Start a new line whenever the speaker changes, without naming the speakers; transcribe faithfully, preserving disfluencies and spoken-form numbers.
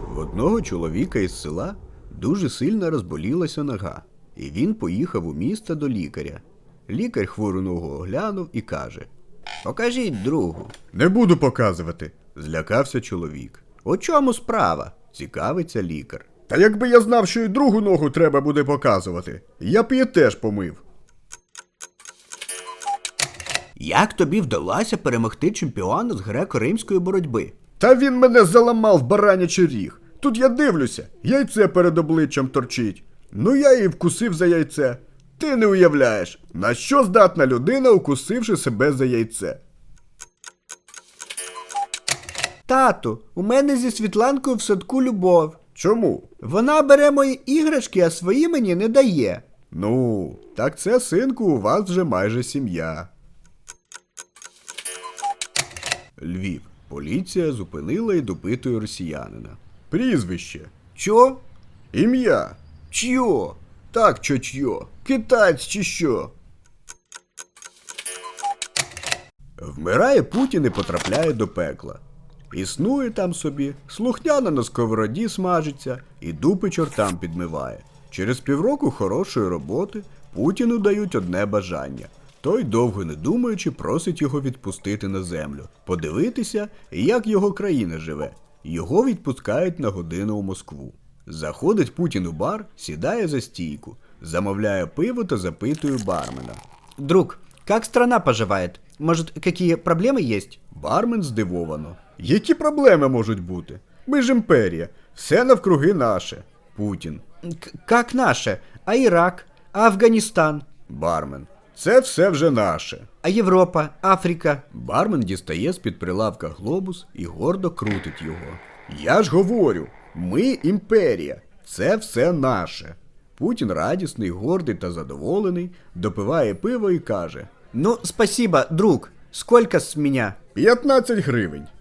В одного чоловіка із села дуже сильно розболілася нога, і він поїхав у місто до лікаря. Лікар хвору ногу оглянув і каже: «Покажіть другу». «Не буду показувати», – злякався чоловік. «У чому справа?» – цікавиться лікар. «Та якби я знав, що і другу ногу треба буде показувати, я б її теж помив». Як тобі вдалося перемогти чемпіона з греко-римської боротьби? Та він мене заламав в баранячий ріг. Тут я дивлюся, яйце перед обличчям торчить. Ну я і вкусив за яйце. Ти не уявляєш, на що здатна людина, укусивши себе за яйце. Тату, у мене зі Світланкою в садку любов. Чому? Вона бере мої іграшки, а свої мені не дає. Ну, так це, синку, у вас вже майже сім'я. Львів. Поліція зупинила і допитує росіянина. Прізвище. Чо? Ім'я. Чьо? Так, чо-чьо. Китаєць чи що? Вмирає Путін і потрапляє до пекла. Існує там собі, слухняно на сковороді смажиться і дупи чортам підмиває. Через півроку хорошої роботи Путіну дають одне бажання. Той, довго не думаючи, просить його відпустити на землю, подивитися, як його країна живе. Його відпускають на годину у Москву. Заходить Путін у бар, сідає за стійку, замовляє пиво та запитує бармена. «Друг, як страна поживає? Може, які проблеми є?» Бармен здивовано. «Які проблеми можуть бути? Ми ж імперія, все навкруги наше». Путін. «Як наше? А Ірак? А Афганістан?» Бармен. «Це все вже наше». «А Європа? Африка?» Бармен дістає з-під прилавка глобус і гордо крутить його. «Я ж говорю, ми імперія, це все наше». Путін радісний, гордий та задоволений, допиває пиво і каже: «Ну, спасибо, друг, сколько з мене?» «п'ятнадцять гривень».